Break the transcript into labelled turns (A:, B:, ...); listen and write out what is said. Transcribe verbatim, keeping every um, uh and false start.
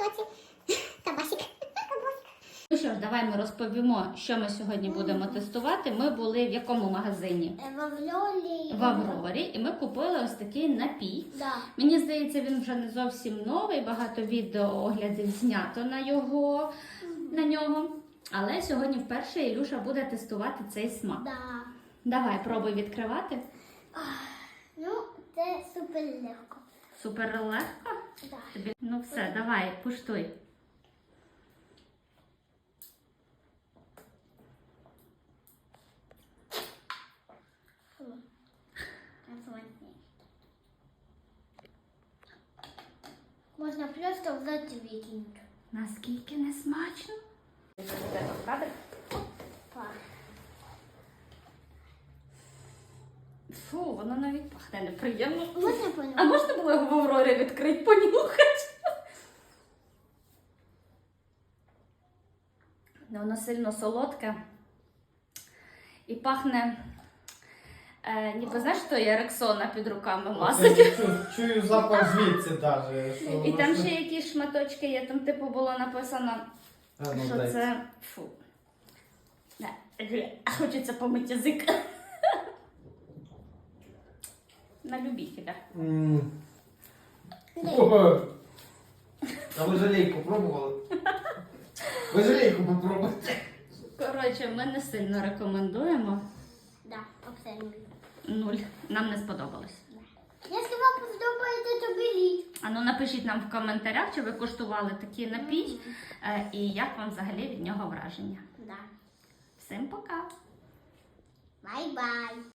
A: тіктоці. Табасик.
B: Ну що ж, давай ми розповімо, що ми сьогодні будемо тестувати. Ми були в якому магазині?
A: В Аврорі.
B: В Аврорі. І ми купили ось такий напій.
A: Да.
B: Мені здається, він вже не зовсім новий, багато відео оглядів знято на, його, на нього. Але сьогодні вперше Ілюша буде тестувати цей смак.
A: Да.
B: Давай, пробуй відкривати.
A: Ну, це супер легко.
B: Супер легко?
A: Да.
B: Тобі... Ну все, давай, куштуй.
A: Можна просто взяти і викинути.
B: Наскільки не смачно? Фу, воно навіть пахне неприємно.
A: Можна понюхати?
B: А можна було його в Аврорі відкрити, понюхати? Воно сильно солодке і пахне, е, ніби знаєш, що є Рексона під руками масить.
C: Я чую, чую запах звідси навіть. Що
B: І там
C: воно-
B: ще якісь шматочки є, там типу було написано,
C: А, ну,
B: що
C: дай.
B: це фу. Не, хочеться помити язик. На любителя.
C: М.
A: Ні.
C: О, а ви жалейку пробували? Ви жалейку попробуйте.
B: Коротше, ми не сильно рекомендуємо.
A: Да, абсолютно.
B: Нуль. Нам не сподобалось.
A: Якщо вам подобається, то беріть.
B: А ну напишіть нам в коментарях, чи ви куштували такий напій, е, і як вам взагалі від нього враження.
A: Да.
B: Всім пока!
A: Бай-бай.